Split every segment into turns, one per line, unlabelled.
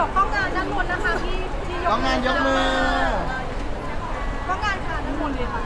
ดี๋ยวกล้องงานด้านบนนะคะที่
กล้องงานยกมือก
ล้องงานค่ะด้านบนเลยค่ะ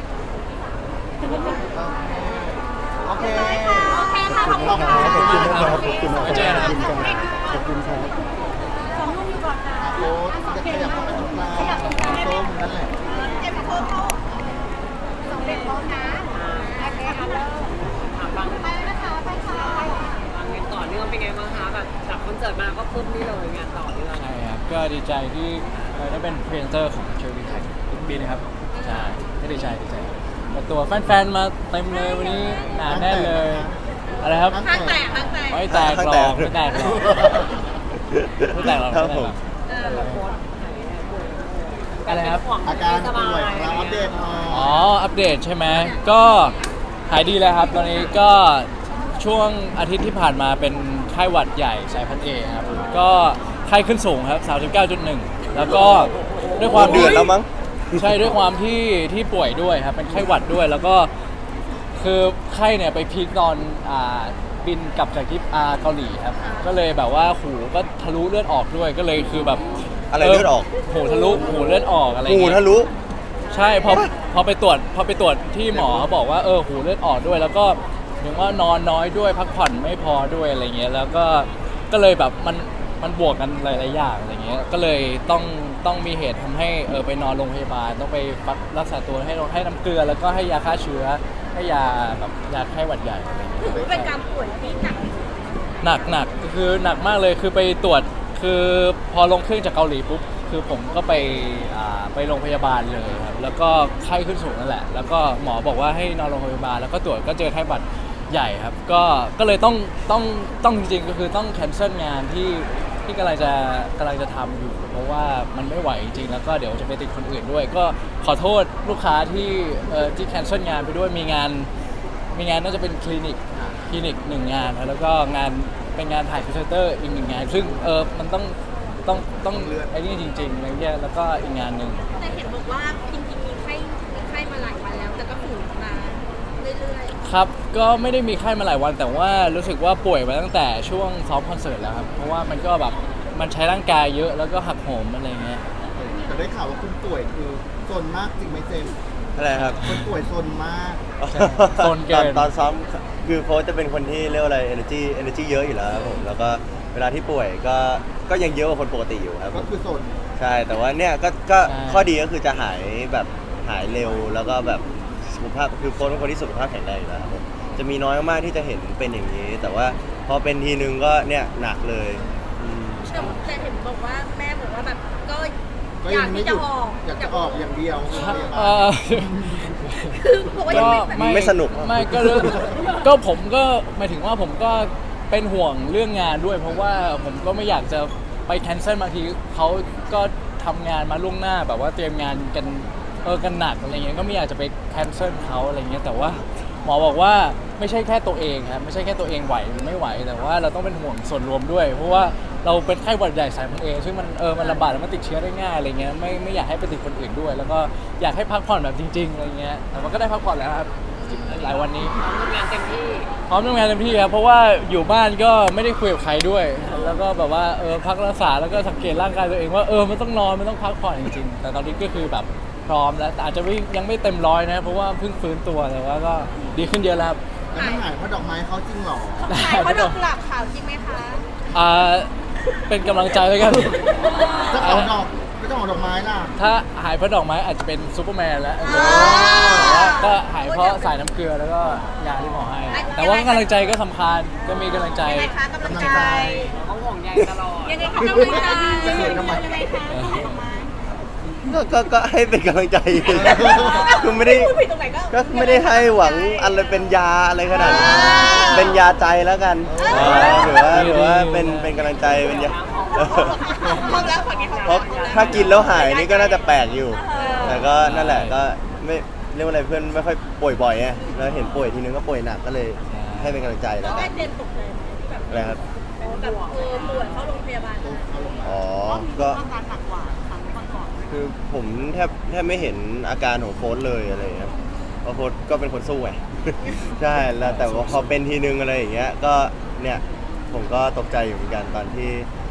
โอเค
โอเคค่ะขอบคุณค่ะ
ขอบคุณมากครับ
ขอบคุณมากครับ
ขอบคุณครับ
สองลูกอยู่ก่อนค่ะ
โค้ดจะขยับเข้าไปตรงกลางส้มนั่นแหละ
เอ็มโค้ดเขาสองเด็กพร้อมนะโอเคค่ะเริ่ม
ฟัง
ไปนะคะไปค่ะ
ฟังกันต่อเนื่องเป็นไงบ้างคะแบบจากคอนเสิร์ตมาก็ปุ๊บนี่เลยงานต่อเนื่อง
ใช่ครับก็ดีใจที่ได้เป็นพรีเซนเตอร์ของเชอร์รี่ไทยทุกปีนะครับใช่ก็ดีใจเปิดตัวแฟนๆมาเต็มเลยวันนี้หนาแน่นเลยอะไรครับ
ข้างแตกข้างแตก
ไม่แตกหรอกไม่แตกหรอกไม่แตกหรอก
ครับผม
แต่ละโค้ด
อะไรครับ
อาการป่วยของเราอัปเดตหน่อย
อ๋ออัปเดตใช่ไหมก็หายดีแล้วครับตอนนี้ก็ช่วงอาทิตย์ที่ผ่านมาเป็นไข้หวัดใหญ่สายพันธุ์เอครับก็ไข้ขึ้นสูงครับ 39.1 แล้วก็ด้วยความ
เดือดแล้วมั้ง
ใช่ด้วยความที่ป่วยด้วยครับเป็นไข้หวัดด้วยแล้วก็คือไข้เนี่ยไปพีคตอนบินกลับจากที่เกาหลีครับก็เลยแบบว่าหูก็ทะลุเลือดออกด้วยก็เลยคือแบบ
อะไรเลือดออก
หูทะลุหูเลือดออกอะไร
หู
เงี้ย
ทะลุ
ใช่พอไปตรวจที่หมอเขาบอกว่าหูเลือดออกด้วย แล้วก็ถึงว่านอนน้อยด้วยพักผ่อนไม่พอด้วยอะไรเงี้ยแล้วก็เลยแบบมันบวกกันหลายๆอย่างอะไรเงี้ยก็เลยต้องมีเหตุทำให้ไปนอนโรงพยาบาลต้องไปรักษาตัวให้น้ำเกลือแล้วก็ให้ยาฆ่าเชื้อให้ยาแบบยาไข้หวัดใหญ่อะไรเงี้ย
ถือเป็นการป่วยที่หนัก
หนักก็คือหนักมากเลยคือไปตรวจคือพอลงเครื่องจากเกาหลีปุ๊บคือผมก็ไปโรงพยาบาลเลยครับแล้วก็ไข้ขึ้นสูงนั่นแหละแล้วก็หมอบอกว่าให้นอนโรงพยาบาลแล้วก็ตรวจก็เจอไข้หวัดใหญ่ครับก็เลยต้องจริงๆก็คือต้องแคนเซิลงานที่กำลังจะทำอยู่เพราะว่ามันไม่ไหวจริงๆแล้วก็เดี๋ยวจะไปติดคนอื่นด้วย ก็ขอโทษลูกค้าที่แคนเซิลงานไปด้วยมีงานน่าจะเป็นคลินิกหนึ่งงานครับแล้วก็เป็นงานถ่ายพรีเซนเตอร์อีกหนึ่งงานซึ่งมันต้องไอ้นี่จริงๆอะไรเงี้ยแล้วก็อีกงานหนึ่ง
แต่เห็นบอกว่าจริงๆมีไข้มาหลายวันแล้วแต่ก็ฝืนมาเรื่อย
ครับก็ไม่ได้มีไข้มาหลายวันแต่ว่ารู้สึกว่าป่วยมาตั้งแต่ช่วงซ้อมคอนเสิร์ตแล้วครับเพราะว่ามันก็แบบมันใช้ร่างกายเยอะแล้วก็หักโหมอะไรเงี้ย
แต่ได้ข่าวว่าคุณป่วยคือโซนมากจริงไหมเจมส์
อะไรครับ
คนป่วยโซนมาก
โซนเกิน
ตอนซ้อมคือโค้ชจะเป็นคนที่เรียกว่าอะไร energy เยอะอยู่แล้วครับผมแล้วก็เวลาที่ป่วยก็ยังเยอะกว่าคนปกติอยู่ครับผ
ก็
ม
คือโซน
ใช่แต่ว่าเนี่ยก็ข้อดีก็คือจะหายแบบหายเร็วแล้วก็แบบสุขภาพคือโค้ชเป็นคนที่สุขภาพแข็งแรงอยู่แล้วครับผมจะมีน้อยมากที่จะเห็นเป็นอย่างนี้ แต่ว่าพอเป็นทีนึงก็เนี่ยหนักเลยอืม
ๆแต่เห็นบอกว่าแม่บอกว่าแบบก็
ก็
อ
ยั
ยาง ก
ไม่
ที่
ห
จะ
ยุด
ออก
อยากจะออกอย่างเดียวโรงพยาบา
เอ่
ล
อ
คือบอกว่ายังไม่
ไม่สนุก
ไม่ก็ผมก็หมายถึงว่าผมก็เป็นห่วงเรื่องงานด้วย เพราะว่าผมก็ไม่อยากจะไปแคนเซิลบางทีเขาก็ทำงานมาล่วงหน้าแบบว่าเตรียมงานกันหนักอะไรเงี้ยก็ไม่อยากจะไปแคนเซิลเขาอะไรเงี้ยแต่ว่าหมอบอกว่าไม่ใช่แค่ตัวเองครับไม่ใช่แค่ตัวเองไหวหรือไม่ไหวแต่ว่าเราต้องเป็นห่วงส่วนรวมด้วย เพราะว่าเราเป็นไข้หวัดใหญ่สายพันธุ์เอซึ่งมันลำบากแล้วมันติดเชื้อได้ง่ายอะไรเงี้ยไม่อยากให้ไปติดคนอื่นด้วย แล้วก็อยากให้พักผ่อนแบบจริงๆอะไรเงี้ยแต่มันก็ได้พักผ่อนแล้วครับหลายวันนี้
ทำงานเต็มที่
พร้อมทำงานเต็มที่ครับเพราะว่าอยู่บ้านก็ไม่ได้คุยกับใครด้วย แล้วก็แบบว่าพักรักษาแล้วก็สังเกตร่างกายตัวเองว่ามันต้องนอนมันต้องพักผ่อนจริงๆแต่ตอนนี้ก็คือแบบพร้อมแล้วแต่อาจจะยังไม่เต็มร้อยนะเพราะว่าเพิ่งฟื้นตัวแต่ว่าก็ดีขึ้นเยอะแล้วครับ
แล้วมันหายเพราะดอกไม้เขาจริงเหรอ
ขายเพราะดอกกุหลาบขาวจริงไหมคะ
เป็นกำลังใจแล้วกัน
เจ้าของดอกก็เจ้าของดอกไม้ล่ะ
ถ้าหายเพราะดอกไม้อาจจะเป็นซูเปอร์แมนแล้วก็หายเพราะสายน้ำเกลือแล้วก็ยาที่หมอให้ แต่ว่ากำลังใจก็สำคัญก็มีกำลังใจ
ยังไงคะกำลังใจ
เขาห่วงใยตลอด
ยังไงคะกำลังใจยังไงคะดอกไม้
ก็ให้เป็นกำลังใจ คือไม่ได้
พูดผิดตรงไหนก็
ไม่ได้ให้หวังอะไรเป็นยาอะไรขนาดนั้นเป็นยาใจแล้วกันหรือว่าเป็นกำลังใจเป็นยา
พร้อมแล้วฝั่งนี้
เพราะถ้ากินแล้วหายนี่ก็น่าจะแปลกอยู่ แต่ก็นั่นแหละก็ไม่เรียกว่าอะไรเพื่อนไม่ค่อยป่วยบ่อยไงแล้วเห็นป่วยทีนึงก็ป่วยหนักก็เลยให้เป็นกำลังใจ
แล้
แล้ว ว
แม่
กัน
เจนตกใจที่แบบ
อะไรครับ
แบบป่วยเข้าโรงพยาบาล
อ๋อก็
อาการหนักกว่าครั้งก่อน
คือผมแทบไม่เห็นอาการของโฟสเลยอะไรอย่างเงี้ยเพราะโฟสก็เป็นคนสู้ไง ใช่แล้วแต่ว่าพอเป็นทีนึงอะไรอย่างเงี้ยก็เนี่ยผมก็ตกใจอยู่เหมือนกันตอนที่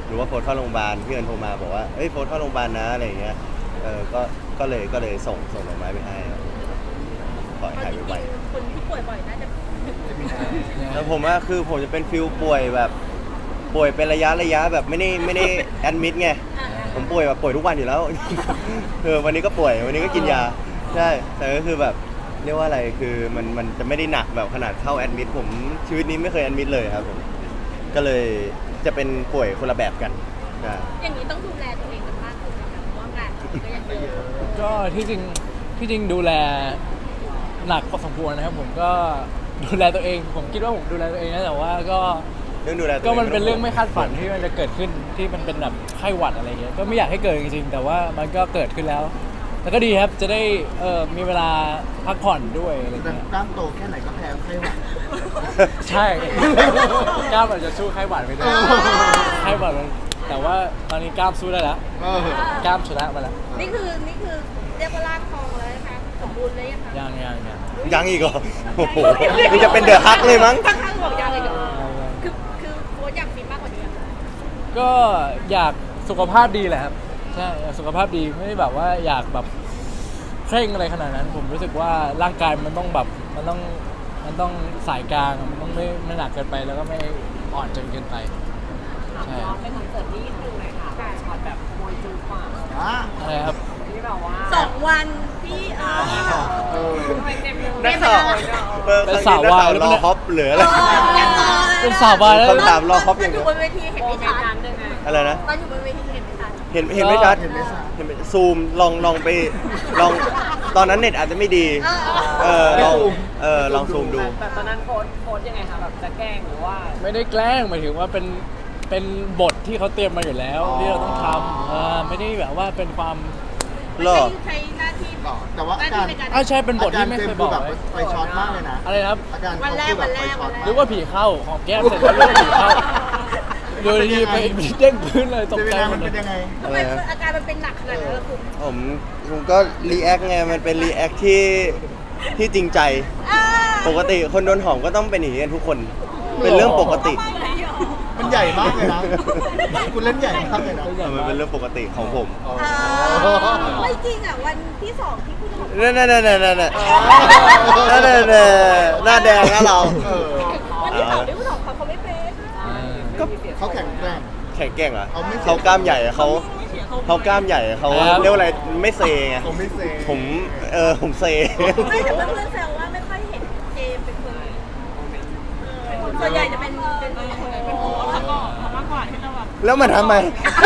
หรือว่าโฟนเข้าโรงพยาบาลพี่เอิญโทรมาบอกว่าเอ้ยโฟนเข้าโรงพยาบาลนะอะไรอย่างเงี้ยก็เลยส่งดอกไม้ไปให้ครับขอให้หายไว
คนที่ป่วยบ่อยน่าจะ
ๆแล้วผมว่าคือผมจะเป็นฟิลป่วยแบบป่วยเป็นระยะแบบไม่ได้แอดมิดไงผมป่วยแบบป่วยทุกวันอยู่แล้ว วันนี้ก็ป่วยวันนี้ก็กินยาใช่แต่ก็คือแบบเรียกว่าอะไรคือมันจะไม่ได้หนักแบบขนาดเข้าแอดมิดผมชีวิตนี้ไม่เคยแอดมิดเลยครับผมก็เลยจะเป็นป่วยคนละแบบกันใช่
อย่างนี้ต้องดูแลตัวเองกันมากขึ้นนะคะเพราะว่างานก็ยังเยอะ
ก็ที่จริงดูแลหนักพอสมควรนะครับผมก็ดูแลตัวเอง ผมคิดว่าผมดูแลตัวเองนะแต่ว่าก็
เรื่องดูแลตัว
ก็
เอง
มันเป็นเรื่องไม่คาดฝันที่มันจะเกิดขึ้นที่มันเป็นแบบไข้หวัดอะไรเงี้ยก็ไม่อยากให้เกิดจริงๆแต่ว่ามันก็เกิดขึ้นแล้วแล้วก็ดีครับจะได้มีเวลาพักผ่อนด้วยอะไร
แต่
เงี้ย
กล้ามโตแค่ไหนก็แพ้ไข้หวัด
ใช่ กล้ามอาจจะสู้ไข้หวัดไม่ได้
เออ
ไข้หวัดมันแต่ว่าตอนนี้กล้ามสู้ได้แล้ว
เออก
ล้ามชนะมาแล้ว
นี่คือเรียกว่าร่างทองแล้วนะคะสมบูรณ์เลยยังคะ
ยัง
ยังอีกเหรอโอ้โหนี่จะเป็นเดอะฮักเลยมั้ง
ข้างๆบอกยังเลยเหรอคือโค้ชอยากฟิตมากกว่านี้อะ
ก็อยากสุขภาพดีแหละครับใช่อยากสุขภาพดีไม่ได้แบบว่าอยากแบบเคร่งอะไรขนาดนั้น ผมรู้สึกว่าร่างกายมันต้องแบบมันต้องสายกลางมันต้องไม่หนักเกินไปแล้วก็ไม่อ่อนจนเกินไป
ถาม
ใช่
ว่าเป็นคอนเสิร์ตที่ดูหน่อยค่ะแบบช็อตแบบมวยจูกว่า
อ่ะ
อะไรครับ
ที่แบบว่า
2 วันพี่
เออ
ทำไมเต็มเลย
นักข่าวนักข่าวรอฮอปเหลืออะไร
เป็นสาววายแล้ว
คำถามรอฮอปอย่าง
อ
เดีย
ยู่
ว
บนเวทีเห็น
โม
ไม่
เม
ชั
น
ด
ต์นั้นยังไง
อะไรนะ
ตอนอยู่บนเวทีเห็นไม่ชัด
เห็นไม่ชัด
เห็นไม่ชัด
ซูมลองไปลองตอนนั้นเน็ตอาจจะไม่ดีลองซูมดู
แบบตอนนั้นโค้ดยังไงคะแบบจะแกล้งหรือว่า
ไม่ได้แกล้งหมายถึงว่าเป็นบทที่เขาเตรียมมาอยู่แล้ว
อ๋อ
ที่เราต้องทำไม่ได้แบบว่าเป็นความ
ไม่
หรอ
ใช่หน้าที่
ต่อแต่ว่าอาการ
ในการ
ใช่เป็นบทที่ไม่เคยบอก
แบบ
ไว้
ไฟช็อตมากเลยนะ
อะไรนะครับ
อาการ
วันแรก
เขาคือแบบไฟช็อต
หรือว่าผีเข้าของแก้มเสร็จแล้วเรื่องผีเข้าโดยที่ไปเด้งพื้นเลยตก
เว
ใจ
ลา
หม
มั
ด
น
เล
เป็น
ย
ยังไง
ทำไมอาการมันเป็นหนักขนาดนั้นล่ะคุณ
ผมก็รีแอคไงมันเป็นรีแอคที่จริงใจ ปกติคนโดนหอมก็ต้องเป็นอย่างนี้กันทุกคน เป็นเรื่องปกติ
มันใหญ่มากเลยนะคุณเล่นใหญ่มากเลยนะ
มันเป็นเรื่องปกติของผม
อ๋อ
ไม่จริงอ่ะวันที่ 2ที่คุณบอก
นั่นหน้าแดงนะเรา
เออ
วันที่2ที่คุณบอกเขาไม่เป็น
ก็เขาแข็งแกร่ง
แข็งแกร่งเหรอ
เขาไม่
เขากล้ามใหญ่เขากล้ามใหญ่เขาเรียกว่าอะไรไม่เซไง
เขาไม่เซ
ผมเซ
ไม่แต่เพื่อนๆแซวว่าไม่ค่อยเห็นเจมเป็นคนส่วนใหญ่จะเป็นโค้ชมากกว่าที่เราแบบ
แล้วมันทำไม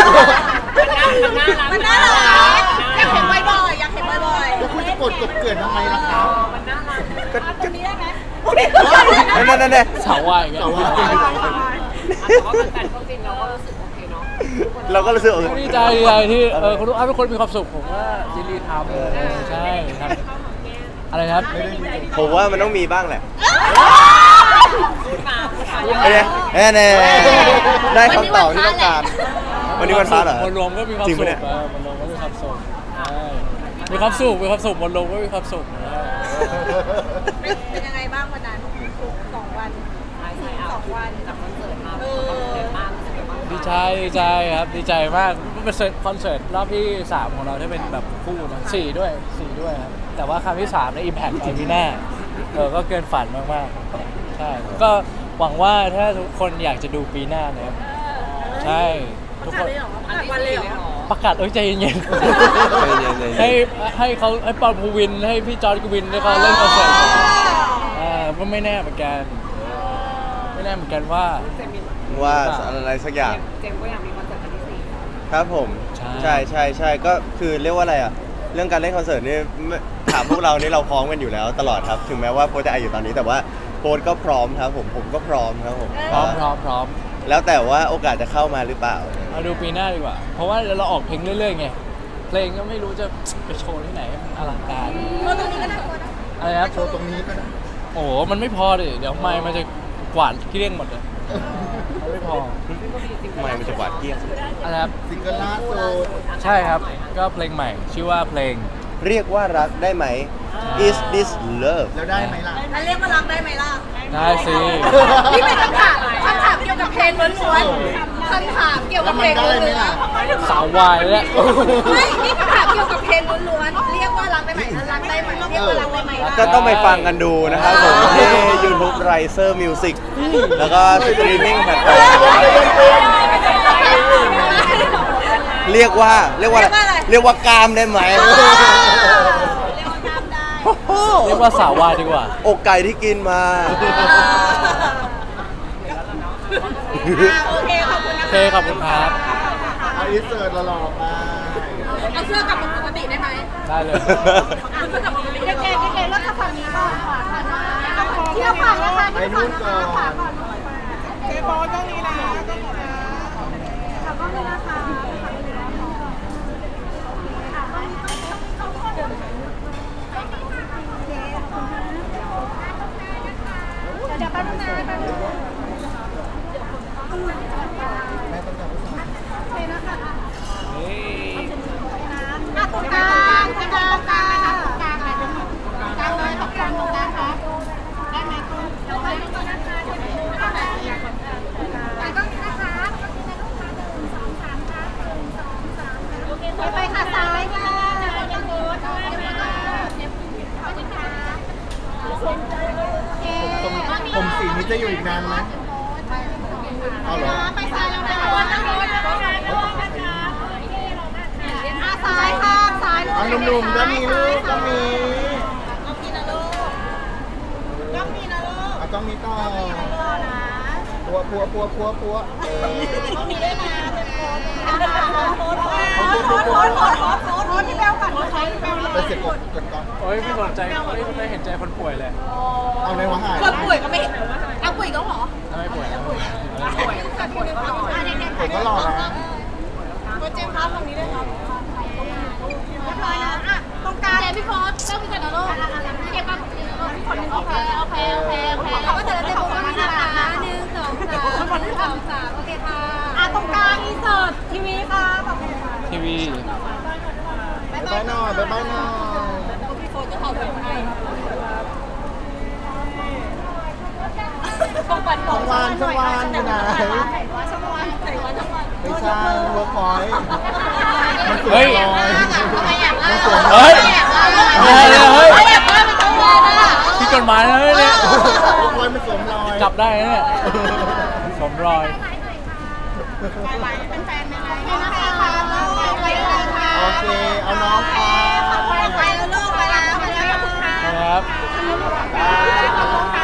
มันน่ารักอยากเห็นบ่อยๆอยากเห็นบ่อย
แล้วคุณจะกดกบเกลื่อนทำไมล่ะครับ
มันน่ารัก
ๆตรงนี้ได้ไหม
นั่น
สาววายกัน
สาววาย
แต่ว่าแฟนๆก็ฟินเราก็รู้สึกโอเคเนาะ
เราก็รู้สึก
ดีใจที่คนทุกคนมีความสุขผมว่ายินดีทำใช่ครับอะไรนะครับ
ผมว่ามันต้องมีบ้างแหละ
พูดมา
แน่ได้คำตอบที่ต้องการ วันนี้วันพระเหรอ
มวลรวมก็มีความ
จริง
สุ
ปะ
ข
เนี่ย
มวลรวมก็มีความสุขใช่มีความสุขมวลรวมก็มีความสุข
เป็นยังไงบ้างวันนั้น2 วัน
ใช่2 วันจากคอนเสิร์ตมาเต็มมากรู้สึกยังไงบ้าง
ดีใจครับดีใจมากเป็นคอนเสิร์ตรอบที่ 3 ของเราที่เป็นแบบคู่นะ4ด้วยครับแต่ว่าครั้งที่3ใน Impact Arena ก็เกินฝันมากๆใช่ก็หวังว่าถ้าทุกคนอยากจะดูปีหน้านะครับใช่ทุกคน
วันเลยเหรอ
ประกาศใจเย็น
ให้
ให้ปอนภูวินให้พี่จอร์จกวินให้เขาเล่นคอนเสิร์ตก็ไม่แน่เหมือนกันว่า
เจมมี
ว่าอะไรสักอย่าง
เจมก็อยากมีคอนเสิร์ตครั้งที่
ครับผม
ใช่
ใช่ก็คือเรียกว่าอะไรอ่ะ เรื่องการเล่นคอนเสิร์ตนี่ถามพวกเรานี่เราพร้อมกันอยู่แล้วตลอดครับ ถึงแม้ว่าโพสจะอายุตอนนี้แต่ว่าโพสก็พร้อมครับผมก็พร้อมครับผม
พร้อม
แล้วแต่ว่าโอกาสจะเข้ามาหรือเปล่า
เอาดูปีหน้าดีกว่า เพราะว่าเราออกเพลงเรื่อยๆไงเพลงก็ไม่รู้จะไปโชว์ที่ไหนมันอลังการ
ตัวตรงนี้ก็น่ากลัวนะ
อะไรนะ
โชว์ตรงนี้ก็ได้
โอ้โหมันไม่พอดิเดี๋ยวไมค์มันจะกวาดเกลี้ยงหมดเลยมันไม่พอ
ไม่มันจะหวาดเกรี้ยง
อะไรครับ
ซิงเกิลล่าสุด
ใช่ครับก็เพลงใหม่ ชื่อว่าเพลง
เรียกว่ารักได้ไหม Is this love
แล้วได้ไหมล่ะ
อันเรียกว่ารักได้ไหมล่ะ
ได้สิ
นี่เป็นคำถามเกี่ยวกับเพลงล้วนๆคำถามเกี่ยวกับ
มั
เพล
น
ง
ได้ไหม
ล้วน
ล่ะ
สาววายแล้ว
ๆไม่นี่คำถามเกี่ยวกับเพลงล้วนๆเรียกว่ารักได้ไหมรักได้ไหมเรียกว่ารักได้ไหมล่ะ
ก็ต้องไปฟังกันดูนะครับผมที่ YouTube Riser Music แล้วก็สตรีมมิ่งแพลตฟอร์มเรียกว่าเรียกว่ากามได้ไหม
เรียกว่าสาววายดีกว่า
อกไก่ที่กินมา
โอเคขอบคุณ
โอ
นะ
เค ขอบคุณครับ
เอาอินเสิร์ตหล่อๆมา
เอาเสื้อกลับมาปกติได้ไหม
ได้เลย
เอาเสื้อกลับมาปกติเก๋ๆเก๋ๆแล้วจะฝั่งนี้ก่อนที่เราฝั่งนะคะ
ไปนู่นก่อน
เก๋บอลต้องนี้นะขอบคุณนะคะเดี๋ยวแป๊บนึงนะแป๊บนึง
แม่ต้องการผู้ชาย
ตรงกลางตรงกลางตรงกลางตรงกลางเลยตรงกลางครับได้ไหมคุณเดี๋ยวไปตรงนั้นนะคะไปตรงนี้นะคะไปค่ะซ้ายค่ะยังโดน
ผมสีนี้จะอยู่อีกนานไหมเอาเหรอ
ไปซ้ายแล้วนะนั่งรถนะคะซ้ายค่ะซ้าย
เอาหนุ่มๆก็มีลูกก็มี
ต้องมีนะลูกต้องมีนะลูก
เอาต้องมีต่อ
นะ
ปัว
ต้องมีด้วยนะเป็นโค้ดที่แบลก่อนที่แบล
ไปเสร็จกดก่อน
โอ้ยไม่สนใจไม่เห็นใจคนป่วยเลย
เอาในหัวหาย
คนป่วยก็ไม่เห็นเอาป่วยก็หรอ
ไม่ป่วยแล้ว
ผมก็รอนะ
โปรเจกต์ครับตรงนี้ด้วยครับตรงกลางพี่ฟอสเริ่มกันนะลูกพี่เก็บก่อนโอเคแล้วก็จะได้ตรงนี้นะคะ1 2 3โอเคค่ะตรงกลางอินเสิร์ตทีวีค่ะ
ทีวี
บ๊ายบายหน่อยบ๊ายบายหน่อย
พี่โฟนจะเอาไปให้ช่องวันอยู่ไหน
ไม่ใช่เวิร์คพอยต์มันสว
เฮ้
ย
ย
ลอยมันสวย
เฮ้ย เฮ้ย
พี่
ที่กฎหมายนะเนี่ย
เวิร์คพอยต์มันสวมรอย
จับได้นะเนี่ยสมรอย
เป็นแฟนไหมคะไปเลยค่ะ
โอเค เอาน้องค่ะ
ไปแล้วลูกไปแล้วขอบคุณค่ะ
นะครับ
ขอบคุณค่ะ